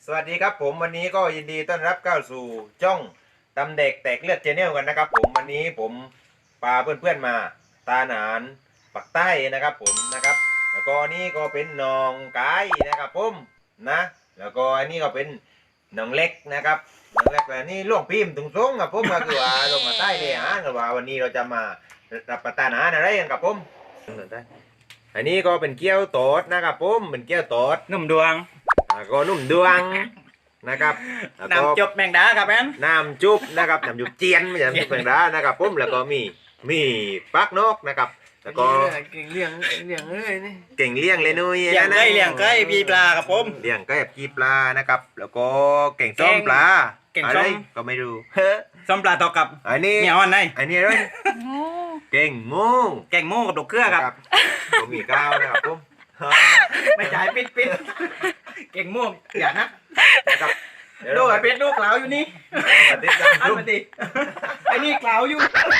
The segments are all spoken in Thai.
สวัสดีครับผมวันนี้ก็ยินดีต้อนรับเข้าสู่ช่องตำเด็กแตกเลือดเจเนลกันนะครับผมวันนี้ผมพาเพื่อนๆมาตาหนานปักใต้นะครับผมนะครับแล้วก็นี่ก็เป็นน้องไก่นะครับผมนะแล้วก็อันนี้ก็เป็นน้องเล็กนะครับน้องเล็กและนี่ล่วงพิมพ์ตรงๆกับผมก็คือว่าลงมาใต้เลยฮะกับว่าวันนี้เราจะมารับประทานอาหารอะไรกันครับผมอันนี้ก็เป็นเกี๊ยวโตดนะครับผมเป็นเกี๊ยวโตดหนุ่มดวงก็นุ่มดวงนะครับแล้วก็น้ำจบแมงดาครับแอนน้ำจุ๊บนะครับน้ำจุ๊บเจียนไม่ใช่น้ำจุ๊บแมงดานะครับผมแล้วก็มีปักนกนะครับแล้วก็เก่งเลี้ยงเลยนี่เก่งเลี้ยงเลยนุ้ยเลี้ยงไก่เลี้ยงไก่ปีปลาครับผมเลี้ยงไก่แบบกีปลานะครับแล้วก็เก่งส้มปลาเก่งอะส้ไรมก็ไม่รู้ส้มปลาตอกับอันนี้เหนียวอันไหนอันนี้อะไรเก่งงูแกงหมูกับดอกเกลือครับก็มีก้าวนะครับผมไม่จ่ายปิดแกงหมูอย่านะนะครับเดี๋ยวดูเราไอ้เป็ดดูกล่าวอยู่นี่มาติดตามอันชมมาดิไอ้นี่กล่าวอยู่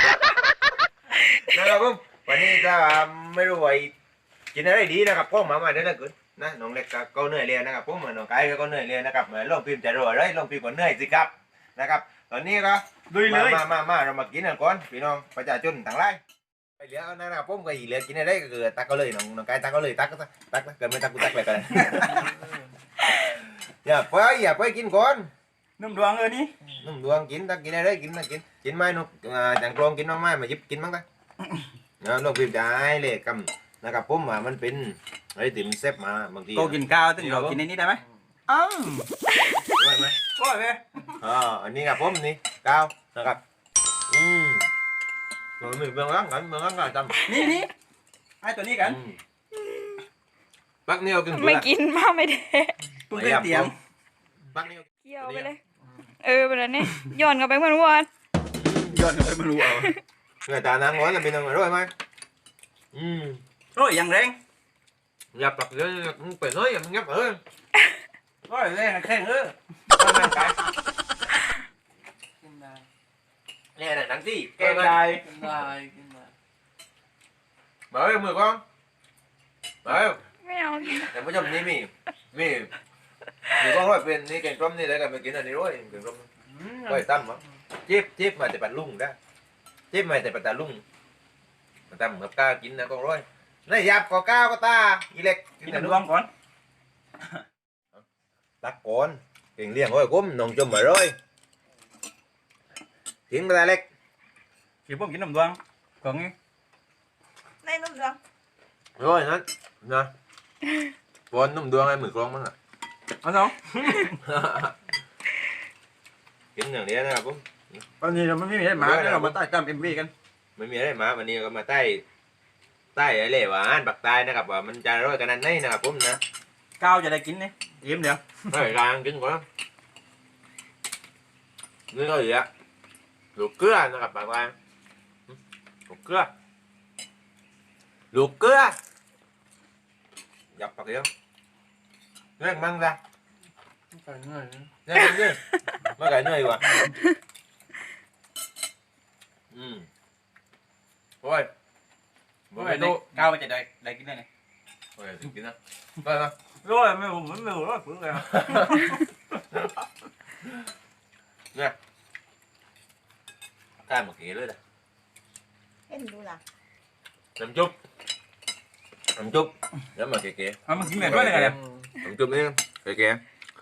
นะครับผมวันนี้จะไม่รู้ว่ากินอะไรดีนะครับพ่อมาเดี๋ยวนะคุณนะน้องเล็กก็เหนื่อยเรียนนะครับผมน้องไก่ก็เหนื่อยเรียนนะครับเหมือนลองพิมพ์จะรวยเลยลองพิมพ์ก็เหนื่อยสิครับนะครับตอนนี้ก็ดุยเลยมาเรามากินกันก่อนพี่น้องประชาชนทั้งหลายไปเหลือนะครับผมก็อีเหลือกินอะไรก็คือตักก็เลยน้องไก่ตักก็เลยตักเกิดไม่ตักกูตักเลยกันอย่าไปกินก่อนหนุ่มดวงนี่นุ่มดวงกินตักกินอะไรกินไหมนุ๊กจังกรองกินน้องไม้มายิบกินมั้งตักลองพิมพ์จะให้เลยคำนะครับผมว่ามันเป็นอะไรที่มันเซฟมาบางทีโกกินข้าวตึงเรากินในนี้ได้ไหมอ้าวด้วยไหมโอ้ยเว้ยอันนี้ครับผมนี่ก้าวนะครับrồi mình bưng lắm rồi tâm นี่ไอ้ตัวนี้กัน bác nêu kinh ไม่กินมากไม่ได้ตุ้งเต้นเตียง bác nêu เกี่ยวไปเลย ไปแล้วนี่ย้อนกลับไปเหมือนวันย้อนไปไม่รู้เอา người ta đang nói là bên ngoài rồi mà โอ้ยยังแรง nhập tập cũng phải nói là ngấp ở โอ้ยแรงแข็งกินได้ nè là đắng gì แกงได้กินได้กินได้ bảo em mười con bảo em ไม่เอา em có chồng đi mì con hỏi bên đi kèn trâm đi đấy là mình kiếm là đi rồi kèn trâm quay tâm á chép mà để bạn lung đó chép mà để bạn lung tâm ngập ca kín là con rồi này dạp có cao có ta y lệch กินน้ำดวงก่อน tắt con kèn liền thôi cúm nồng chùm ở rồi tiếng ta lệch กินผมกินน้ำดวงก่อนงี้ได้นุ่มจัง rồi hết nè con nồng đuông em mười conมั้งอ่ะเอาน้องกินอย่างนี้นะครับผมตอนนี้เราไม่มีอะไรมาเรามาใต้กล้ามเอ็มวีกันไม่มีอะไรมาวันนี้ก็มาใต้อะไรวะปักใต้นะครับว่ามันจะอร่อยขนาดไหนนะครับผมนะก้าวจะได้กินนี่ยิ้มเดี๋ยว rồi rang kín quáนี่ก็gì ạ luộc cưaนะครับbạn ơi luộc cưa luộc cưa dọc bạc đi không nó mang ra ใส่เงื่อนนะ Nghe không chứ? Mấy cái này quá. Ôi. โอ้ Bữa ย mày ได้ tô. ก้าวมันจะได้กินได้ไง Ôi, thử kín nào. Coi nào. โอ้ยไม่ผมไม่รู้ว่าฝืนเลย Nè. Cai một kỹ nữa nè. เอ็นดูล่ะ Làm chút. Làm chút. Để mà kìa. เอามันกินแบบด้วยเลยกันเนี่ย Làm chút đi. Kìa.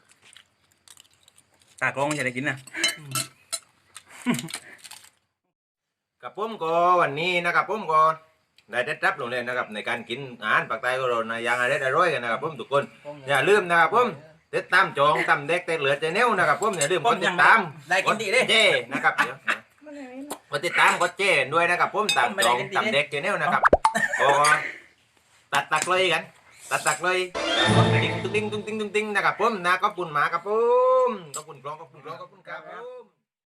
ตากล้องจะได้กินนะกับผมก็วันนี้นะครับผมก็ได้ได้รับลงเลยนะครับในการกินอาหารปากใต้ก็เราในอย่างอะไรอร่อยกันนะครับผมทุกคนอย่าลืมนะครับผมติดตามจองตำเด็กแต่เหลือใจแนวนะครับผมอย่าลืมกดติดตามได้กินดีดิเจ้นะครับเดี๋ยวมันไหนกดติดตามกดเจ้ด้วยนะครับผมตามจองตำเด็กใจแนวนะครับก็ตัดเลยกันตัดเลยกดกระดิ่งตุ้งติ้งนะครับผมนะขอบคุณหมาครับผมขอบคุณกล้องครับผม